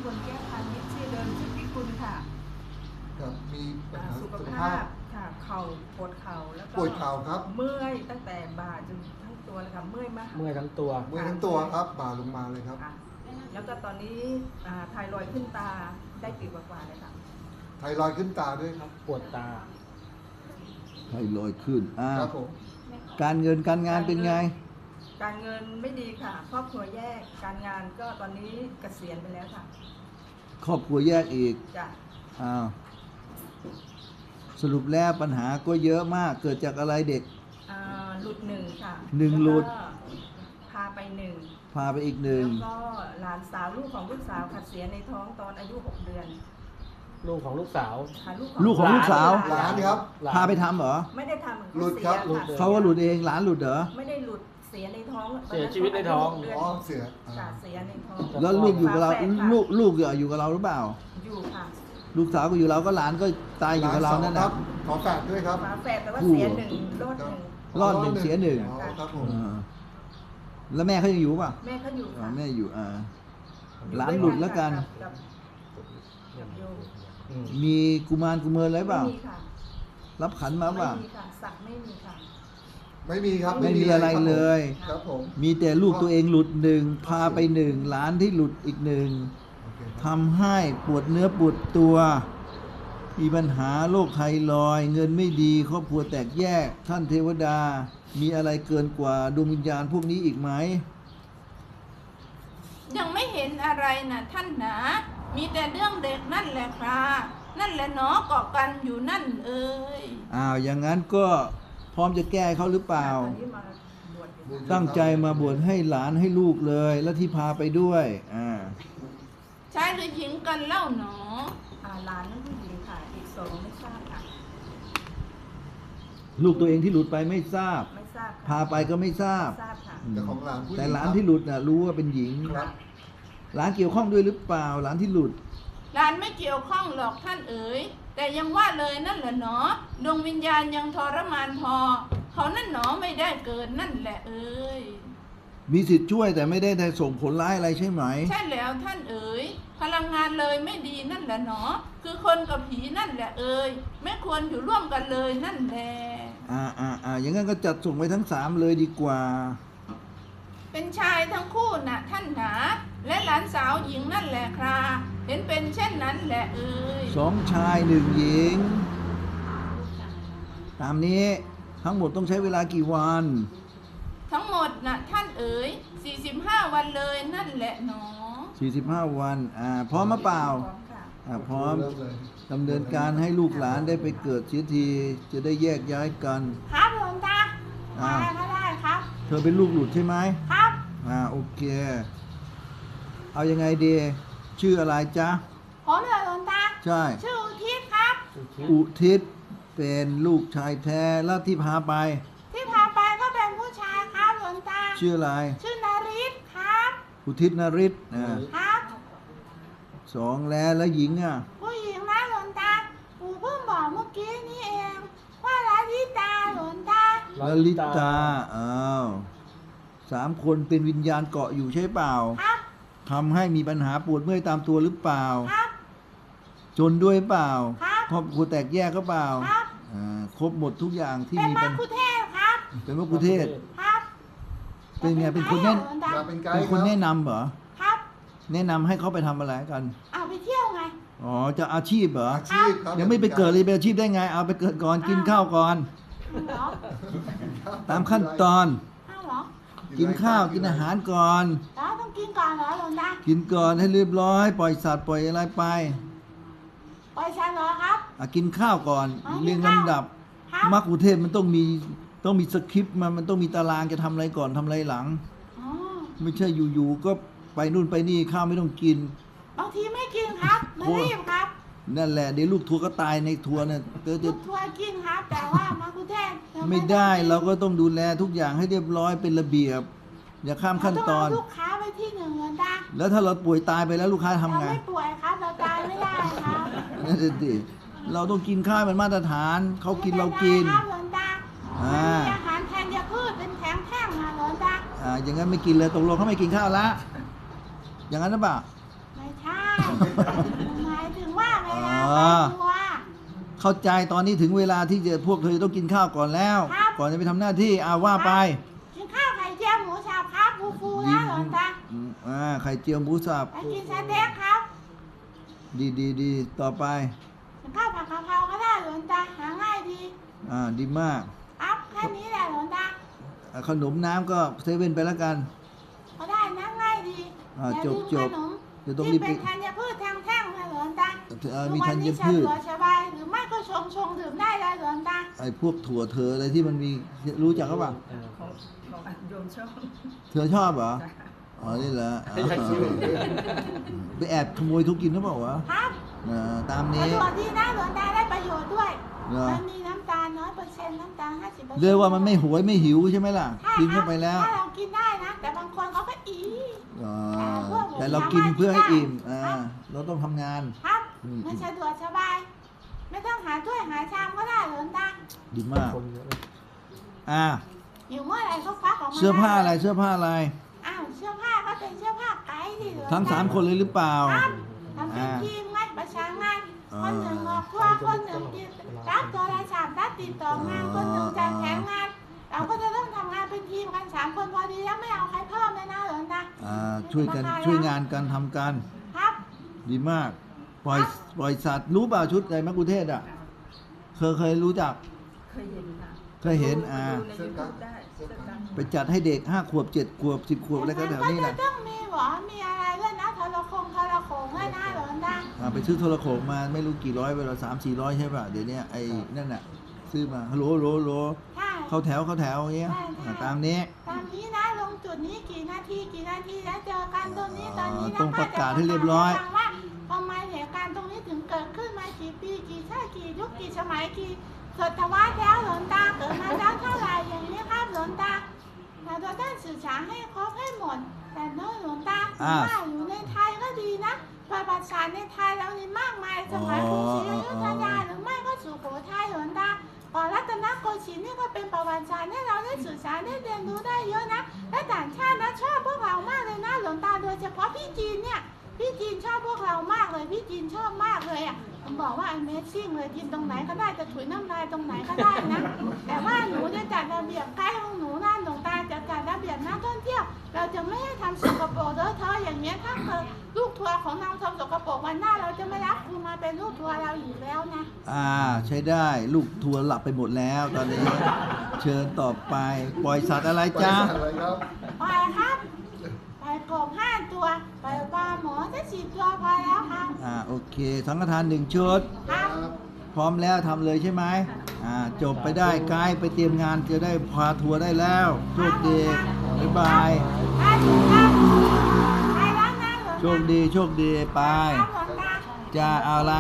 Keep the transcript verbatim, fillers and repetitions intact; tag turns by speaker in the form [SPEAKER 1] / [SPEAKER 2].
[SPEAKER 1] ลแก้วพาณิชย์ชื่อเดิมชื่อพิกุลค่ะ
[SPEAKER 2] ครับมีปัญหา
[SPEAKER 1] สุ
[SPEAKER 2] สุ
[SPEAKER 1] ข
[SPEAKER 2] ข
[SPEAKER 1] ภา
[SPEAKER 2] ภา
[SPEAKER 1] พ
[SPEAKER 2] พ
[SPEAKER 1] ค่ะเข่าปวดเข่าแล้วก็
[SPEAKER 2] ปวดเข่าครับ
[SPEAKER 1] เมื่อยตั้งแต่บ่าจนทั้งตัวเลยค่ะเมื่อยมาก
[SPEAKER 3] เมื่อยทั้งตัว
[SPEAKER 2] เมื่อยทั้งตัวครับบ่าลงมาเลยครับ
[SPEAKER 1] ค่ะแล้วก็ตอนนี้อ่าไทรอยด์ขึ้นตาได้ปีกว่าๆเลยค่ะ
[SPEAKER 2] ไทรอยด์ขึ้นตาด้วยครับ
[SPEAKER 3] ปวดตา
[SPEAKER 4] ไทรอยด์ขึ้นอ่า
[SPEAKER 2] ครับผม
[SPEAKER 4] การเงินการงานเป็นไง
[SPEAKER 1] การเงินไม่ดีค่ะครอบครัวแยกการงานก็ตอนนี้เกษียณไปแล้วค่ะ
[SPEAKER 4] ครอบครัวแยกอีก
[SPEAKER 1] จะ
[SPEAKER 4] อ้าวสรุปแล้วปัญหาก็เยอะมากเกิดจากอะไรเด็ก
[SPEAKER 1] อ่าหลุดหนึ่งค่ะ
[SPEAKER 4] หนึ่งหลุด
[SPEAKER 1] แวก็พาไปหนึ่ง
[SPEAKER 4] พาไปอีกหนึ่ง
[SPEAKER 1] แล้วก็หลานสาวลูกของลูกสาวขัดเสียในท้องตอนอายุหกเดือน
[SPEAKER 3] ลูกของลูกสาว
[SPEAKER 1] ค่ะ
[SPEAKER 4] ลูกของลูกสาว
[SPEAKER 2] หลานครับ
[SPEAKER 3] หลาน
[SPEAKER 4] พาไปทำเหรอ
[SPEAKER 1] ไม่ได้ทำ
[SPEAKER 2] หลุดครับ
[SPEAKER 1] เสียะ
[SPEAKER 4] เขาว่าหลุดเองหลานหลุดเหรอ
[SPEAKER 1] ไม่ได้หลุดเสียในท้อง
[SPEAKER 3] เสียชีวิตในท้อง
[SPEAKER 1] เดืน
[SPEAKER 2] อ๋อเสียอ่า
[SPEAKER 1] ค่ะเสียในท้อง
[SPEAKER 4] แล้วลูกอยู่กับเรา
[SPEAKER 1] ฝแฝดค่ะ
[SPEAKER 4] ลูกลูกอยู่กับเราหรือเปล่า
[SPEAKER 1] อยู่ค่ะ
[SPEAKER 4] ลูกสาวก็อยู่เราก็หลานก็ตายอยู่กับเรานั่น
[SPEAKER 2] ค
[SPEAKER 4] นะ
[SPEAKER 2] รับขอแฝดด้วยครับ
[SPEAKER 1] ฝาแฝดแต่ว่า
[SPEAKER 4] คู่
[SPEAKER 1] เสียหนึ่งรอด
[SPEAKER 2] ค
[SPEAKER 1] ห
[SPEAKER 2] รับ
[SPEAKER 1] นึ่ง
[SPEAKER 4] รอดหนึ่งเสียหนึ่ง
[SPEAKER 2] อ๋อครับผม
[SPEAKER 4] อ่าแล้วแม่เขายังอยู่ป่ะ
[SPEAKER 1] แม่เขาอยู่
[SPEAKER 4] อ๋อ
[SPEAKER 1] ค่ะ
[SPEAKER 4] แม่อยู่อ่า
[SPEAKER 1] อยู่
[SPEAKER 4] หลานหลุดแล้วกัน
[SPEAKER 1] กับกับกับโยม
[SPEAKER 3] อืม
[SPEAKER 4] มีกุมารกุเมินอะไรเปล่า
[SPEAKER 1] ไม่มีค่ะ
[SPEAKER 4] รับขันมาเปล่า
[SPEAKER 1] ไม่มีค่ะสักไม่มีค่ะ
[SPEAKER 2] ไม่มีครับ
[SPEAKER 4] ไม่มีอะไรเลย
[SPEAKER 2] ครับผม
[SPEAKER 4] มีแต่ลูกตัวเองหลุดหนึ่งพาไปหนึ่งหลานที่หลุดอีกหนึ่ง
[SPEAKER 2] โอเคครับ
[SPEAKER 4] ทำให้ปวดเนื้อปวดตัว มีปัญหาโรคไทรอยด์เงินไม่ดีครอบครัวแตกแยก ท่านเทวดา มีอะไรเกินกว่าดวงวิญญาณพวกนี้อีกไหม
[SPEAKER 5] ยังไม่เห็นอะไรนะท่านหนา มีแต่เรื่องเด็กนั่นแหละครับนั่นแหละเนาะเกาะกันอยู่นั่นเอ่ย
[SPEAKER 4] อ้าวอย่างนั้นก็พร้อมจะแก้เขาหรือเปล่า
[SPEAKER 1] ตอนนี้มาบวชอยู่
[SPEAKER 4] ตั้งใจมาบวชให้หลานให้ลูกเลย แล้วที่พาไปด้วยอ่า
[SPEAKER 5] ชายหรือหญิงกันเล่าหนอ
[SPEAKER 1] อ่าหลานนั่นผู้หญิงค่ะ อีกสองไม่ทราบค่ะ
[SPEAKER 4] ลูกตัวเองที่หลุดไปไม่ทราบ
[SPEAKER 1] ไม่ทราบค่ะ
[SPEAKER 4] พาไปก็ไม่ทราบ
[SPEAKER 1] ทราบค่ะ
[SPEAKER 2] แต่ของหลานผู้ญิง
[SPEAKER 4] แต่หลานที่หลุดน่ะรู้ว่าเป็นหญิง
[SPEAKER 2] ครับ
[SPEAKER 4] หลานเกี่ยวข้องด้วยหรือเปล่า หลานที่หลุด
[SPEAKER 5] หลานไม่เกี่ยวข้องหรอกท่านเอ๋ยแต่ยังว่าเลยนั่นแหละเนาะดวงวิญญาณยังทรมานพอ เขานั่นหนอไม่ได้เกิดนั่นแหละเอ๋ย
[SPEAKER 4] มีสิทธิ์ช่วยแต่ไม่ได้ส่งผลร้ายอะไรใช่ไหม
[SPEAKER 5] ใช่แล้วท่านเอ๋ยพลังงานเลยไม่ดีนั่นแหละเนาะคือคนกับผีนั่นแหละเอ๋ยไม่ควรอยู่ร่วมกันเลยนั่นแหละ
[SPEAKER 4] อ่าอ่าอ่าอย่างนั้นก็จัดส่งไปทั้งสามเลยดีกว่า
[SPEAKER 5] เป็นชายทั้งคู่น่ะท่านหนาและหลานสาวหญิงนั่นแหละคราเห็นเป็นเช่นนั้นแหละเอ่ย
[SPEAKER 4] สองชายหนึ่งหญิง ตามนี้ทั้งหมดต้องใช้เวลากี่วัน
[SPEAKER 5] ทั้งหมดน่ะท่านเอ๋ยสี่สิบห้าวันเลยนั่นแหละหนอ
[SPEAKER 4] สี่สิบห้าวันอ่าพร้อมมาเปล่า
[SPEAKER 1] พร้อมค่ะ
[SPEAKER 4] อ่าพร้อม
[SPEAKER 2] เริ่มเลย
[SPEAKER 4] ดำเนินการให้ลูกหลานได้ไปเกิดเสียทีจะได้แยกย้ายกัน
[SPEAKER 5] ครับหลวงตา
[SPEAKER 4] อ่า
[SPEAKER 5] อะไรก็ได้ครับ
[SPEAKER 4] เธอเป็นลูกหลุดใช่ไหม
[SPEAKER 5] ครับ
[SPEAKER 4] อ่าโอเค เอายังไงดีชื่ออะไรจ๊ะ
[SPEAKER 5] ผมเลยหลวงตา
[SPEAKER 4] ใช่
[SPEAKER 5] ชื่ออุทิศครับ
[SPEAKER 4] อุทิศเป็นลูกชายแท้แล้วที่พาไป
[SPEAKER 5] ที่พาไปก็เป็นผู้ชายครับหลวงตา
[SPEAKER 4] ชื่ออะไร
[SPEAKER 5] ชื่อนาริศครับ
[SPEAKER 4] อุทิศนริศอ่า
[SPEAKER 5] ครับ
[SPEAKER 4] สองแล้วแล้วหญิงอ่ะ
[SPEAKER 5] ผู้หญิงนะหลวงตาปู่เพิ่งบอกเมื่อกี้นี่เองว่าลาลิตาหลวงตา
[SPEAKER 4] ลลิตาอ้าวสามคนเป็นวิญญาณเกาะอยู่ใช่เปล่า
[SPEAKER 5] ครับ
[SPEAKER 4] ทำให้มีปัญหาปวดเมื่อยตามตัวหรือเปล่า
[SPEAKER 5] ครับ
[SPEAKER 4] จนด้วยเปล่า
[SPEAKER 5] ครับ
[SPEAKER 4] ครอบครัวแตกแยกก็เปล่า
[SPEAKER 5] ครับ
[SPEAKER 4] อ่าครบหมดทุกอย่างที่
[SPEAKER 5] เป็น
[SPEAKER 4] มี
[SPEAKER 5] มั
[SPEAKER 4] ปั
[SPEAKER 5] ค
[SPEAKER 4] ญ
[SPEAKER 5] คุเทศครับ
[SPEAKER 4] เป็นมะกุเทศ
[SPEAKER 5] ครับ
[SPEAKER 4] เป็นไงเป็นคนแน่น
[SPEAKER 5] หลวงตา
[SPEAKER 2] อยากเป็นไก
[SPEAKER 4] เป็น
[SPEAKER 2] ด์
[SPEAKER 4] คน
[SPEAKER 2] รับ
[SPEAKER 4] แนะนำเหรอ
[SPEAKER 5] ครับ
[SPEAKER 4] แนะนำให้เขาไปทำอะไรกัน
[SPEAKER 5] เอาไปเที่ยวไง
[SPEAKER 4] อ๋อจะอาชีพเหรอ
[SPEAKER 2] อาชีพครับ
[SPEAKER 4] ยังไม่ไปเกิดเลยเป็นอาชีพได้ไง เอาไปเกิดก่อนกินข้าวก่อน
[SPEAKER 5] เหรอ
[SPEAKER 4] ตามขั้นตอน
[SPEAKER 5] เอาเหรอ
[SPEAKER 4] กินข้าวกินอาหารก่อน
[SPEAKER 5] แล้วต้องกินก่อนเหรอหลวงตา
[SPEAKER 4] กินก่อนให้เรียบร้อย ปล่อยสัตว์ปล่อยอะไรไป
[SPEAKER 5] ปล่อยฉันเหรอครับ
[SPEAKER 4] อ่ะกินข้าวก่อน
[SPEAKER 5] อ๋อ
[SPEAKER 4] เรียง
[SPEAKER 5] กินข้าว
[SPEAKER 4] ลำดับ
[SPEAKER 5] ครับ
[SPEAKER 4] มรรคุเทศมันต้องมีต้องมีสคริปต์มันมันต้องมีตารางจะทำอะไรก่อนทำอะไรหลัง
[SPEAKER 5] อ๋อ
[SPEAKER 4] ไม่ใช่อยู่ๆก็ไปนู่นไปนี่ข้าวไม่ต้องกิน
[SPEAKER 5] บางทีไม่กินครับไม่รีบครับ
[SPEAKER 4] นั่นแหละเดี๋ยวลูกทัวร์ก็ตายในทัวร์เนี่ยเธอ
[SPEAKER 5] ทุ
[SPEAKER 4] จะ
[SPEAKER 5] กทัวร์กินครับ แต่ว่ามาคุเทศเรา
[SPEAKER 4] ไม่ได้เราก็ต้องดูแลทุกอย่างให้เรียบร้อยเป็นระเบียบ อย่าข้ามขั้นตอน
[SPEAKER 5] เรางเาลูกค้าไปที่หนึ่งหลวงตา
[SPEAKER 4] แล้วถ้าเราป่วยตายไปแล้วลูกค้าทำ
[SPEAKER 5] เรา
[SPEAKER 4] ไง
[SPEAKER 5] ไม่ป่วยครับ เราตายไม่ได้ครับ
[SPEAKER 4] นั่นสิเราต้องกินข้าวเป็นมาตรฐานเขากินเรากิน
[SPEAKER 5] ไม่เป็นไรครับหลวงตา
[SPEAKER 4] อ่า
[SPEAKER 5] มันมีอาหารแทนยาพืชเป็นแข็งแท่งนะหลวงตา
[SPEAKER 4] อ่าอย่างนั้นไม่กินเลยตกลงเขาไม่กินข้าวละอย่างนั้นหรือเปล่า
[SPEAKER 5] ไม่ใช่
[SPEAKER 4] อื
[SPEAKER 5] หมายถึงว่าเวลา
[SPEAKER 4] อ๋อ
[SPEAKER 5] ไปตัว
[SPEAKER 4] เข้าใจตอนนี้ถึงเวลาที่จะพวกเธอต้องกินข้าวก่อนแล้ว
[SPEAKER 5] ครับ
[SPEAKER 4] ก่อนจะไปทำหน้าที่อาว่าไป
[SPEAKER 5] กินข้าวไข่เจียวหมูสับครับฟูฟูๆนะหลวงตา
[SPEAKER 4] อืมอ่าไข่เจียวหมูสับ
[SPEAKER 5] ไปกินสเต็กครับ
[SPEAKER 4] ดีดีดีต่อไป
[SPEAKER 5] กินข้าวผัดกะเพราก็ได้หลวงตาหาง่ายดี
[SPEAKER 4] อ่าดีมาก
[SPEAKER 5] ครับแค่นี้แหละหลวงตา
[SPEAKER 4] อ่าขนมน้ำก็เซเว่นไปแล้วกัน
[SPEAKER 5] ก็ได้นะง่ายดี
[SPEAKER 4] อ่า
[SPEAKER 5] อย่า
[SPEAKER 4] จบ
[SPEAKER 5] ลืม
[SPEAKER 4] จ
[SPEAKER 5] ข
[SPEAKER 4] บ
[SPEAKER 5] นม
[SPEAKER 4] เดี๋ยวต้อง
[SPEAKER 5] ที่
[SPEAKER 4] รีบ
[SPEAKER 5] เป็น
[SPEAKER 4] ไป
[SPEAKER 5] ธัญพืชแท่งๆนะหลวงตา
[SPEAKER 4] เอ่อมี
[SPEAKER 5] ทุกวั
[SPEAKER 4] ธัญ
[SPEAKER 5] นี้
[SPEAKER 4] พืช
[SPEAKER 5] สะดวกสบายหรือไม่ก็ชงชงๆดื่มได้เลยหลวงตา
[SPEAKER 4] ไอ้พวกถั่วเธออะไรที่มันมีรู้จักก็ปล่า
[SPEAKER 3] เออ
[SPEAKER 1] ของของอันโยมชอบ
[SPEAKER 4] เธอชอบเหรอ
[SPEAKER 1] จ้ะ
[SPEAKER 4] อ๋อนี่เหรอ
[SPEAKER 3] ให้ใครซื้อ
[SPEAKER 4] ไปแอบขโมยทุกกินหรือเปล่าวะ
[SPEAKER 5] ครับ
[SPEAKER 4] อ่าตาม
[SPEAKER 5] สะ
[SPEAKER 4] นี้
[SPEAKER 5] ดวกดีนะหลวงตาได้ประโยชน์ด้วย
[SPEAKER 4] เหรอ
[SPEAKER 5] มันมีน้ำตาลน้อยเปอร์เซ็นต์น้ำตาลห้าสิบเปอร์เซ็นต์
[SPEAKER 4] เรียกว่ามันไม่หวยไม่หิวใช่ไหมล่ะ
[SPEAKER 5] ใช่
[SPEAKER 4] กิน
[SPEAKER 5] ครั
[SPEAKER 4] เข้า
[SPEAKER 5] บ
[SPEAKER 4] ไปแล้ว
[SPEAKER 5] ถ้าเรากินได้นะ แต่บางคนเขาก็อี
[SPEAKER 4] อ่าแต่เรากินเพื่อให้อิ่มอ่า
[SPEAKER 5] ครับ
[SPEAKER 4] เราต้องทำงาน
[SPEAKER 5] ครับ
[SPEAKER 4] อืม
[SPEAKER 5] มันสะดวกสบาย ไม่ต้องหาถ้วยหาชามก็ได้หลวงตา
[SPEAKER 4] ดีมาก
[SPEAKER 3] คนเยอะเลย
[SPEAKER 4] อ่า
[SPEAKER 5] อยู่เมื่อไหร่ก็ฟักออกมา
[SPEAKER 4] เสื้อผ้าอะไร
[SPEAKER 5] ด้
[SPEAKER 4] เสื้อผ้าอะไร
[SPEAKER 5] อ้าวเสื้อผ้าก็เป็นเสื้อผ้าไกด์ดิหลวงตา
[SPEAKER 4] ทั้งสามคนเลยหรือเปล่า
[SPEAKER 5] ครับทำเป็น
[SPEAKER 4] อ่า
[SPEAKER 5] ทีมงานประสานงาน
[SPEAKER 4] อ่า
[SPEAKER 5] คนหนึ่งออกทัวร์คนหนึ่งติดรับโทรศัพท์รับติดต่องาน คนหนึ่งจัดแผนงาน เราก็จะต้องทำงานเป็นทีมกันสามคนพอดีแล้วไม่เอาใครเพิ่มเลยนะหลวงตา
[SPEAKER 4] อ่าช่วยกันช่วยงานกันทำกัน
[SPEAKER 5] ครับ
[SPEAKER 4] ดีมาก ปล่อยปล่อยสัตว์รู้เปล่าชุดไอ้มะกุเทศอ่ะ เคยเคยรู้จัก
[SPEAKER 1] เคยเห็นค่ะ
[SPEAKER 4] เคยเห็นอ่า
[SPEAKER 1] ดูในยูทูบได้เสื้อกัน
[SPEAKER 4] ไปจัดให้เด็กห้าขวบเจ็ดขวบสิบขวบอะไรก็แถวนี้
[SPEAKER 5] มั
[SPEAKER 4] นะ
[SPEAKER 5] ก็จะต้องมีหวอมีอะไรด้วยนะทรคงทรโขงด้วยนะหลวงตา
[SPEAKER 4] อ่าไปซื้อโทรโขงมาไม่รู้กี่ร้อยไปแล้วสามสี่ร้อยใช่ป่ะเดี๋ยวนี้ไอ้นั่นน่ะซื้อมาฮัลโหลฮัลโหลฮัลโหล
[SPEAKER 5] ใช่
[SPEAKER 4] เข้าแถวเข้าแถวอย่างเงี้ยอ่าตามนี้
[SPEAKER 5] ตามนี้นะลงจุดนี้กี่นาทีกี่นาทีแล้วเจอกันตรงนี้ตอนนี้นะ
[SPEAKER 4] ต้องประกาศให้เรียบร้อย
[SPEAKER 5] ฟังว่าทำไมเหตุการณ์ตรงนี้ถึงเกิดขึ้นมากี่ปีกี่ชาติกี่ยุคกี่สมัยกี่ศตวรรษแล้วหลวงตาเกิดมาแล้วเท่าไหร่อย่างนี้ครับหลวงตาเราจะต้องสื่อสารให้ครบให้หมดแต่เน้อยหลวงตา
[SPEAKER 4] อ่า
[SPEAKER 5] ว่าอยู่ในไทยก็ดีนะประวัติศาสตร์ในไทยเรานี่มากมายสมัยกรุงศรีอยุธยาหรือไม่ก็สุโขทัยหลวงตาก่อนรัตนโกสินทร์นี่ก็เป็นประวัติศาสตร์ให้เราได้สื่อสารได้เรียนรู้ได้เยอะนะและต่างชาตินะชอบพวกเรามากเลยนะหลวงตาโดยเฉพาะพี่จีนเนี่ยพี่จีนชอบพวกเรามากเลยพี่จีนชอบมากเลยอ่ะผมบอกว่า Amazing เลยกินตรงไหนก็ได้จะถุยน้ำลายตรงไหนก็ได้นะ แต่ว่าหนูจะจัดระเบียบใกล้ของหนูนะหลวงตาจะจัดระเบียบนักท่องเที่ยว เราจะไม่ให้ทำสกปรกเลอะเทอะอย่างเงี้ยถ้าเกิดลูกทัวร์ของเราทำสกปรกวันหน้าเราจะไม่รับคุณมาเป็นลูกทัวร์เราอีกแล้วนะ
[SPEAKER 4] อ่าใช้ได้ลูกทัวร์หลับไปหมดแล้วตอนนี้ เชิญต่อไป ปล่อยสัตว์อะไร
[SPEAKER 2] บริ
[SPEAKER 4] จ๊ะ
[SPEAKER 2] ษัทอะไรครับ
[SPEAKER 5] ไปครับไปกบห้าตัวไปปลาหมอจะสิบตัวพอแล้วครับ
[SPEAKER 4] อ่าโอเคสังฆทานหนึ่งชุด
[SPEAKER 5] ครับ
[SPEAKER 4] พร้อมแล้วทำเลยใช่ไหมอ่าจบไปได้ไกด์ไปเตรียมงานจะได้พาทัวร์ได้แล้วโชคดีบ๊ายบาย
[SPEAKER 5] ไปถูกครับไปแล้วนะหลวงตา
[SPEAKER 4] โชคดีโชคดีไป
[SPEAKER 5] ครับหลวงตา
[SPEAKER 4] จะเอาอะไร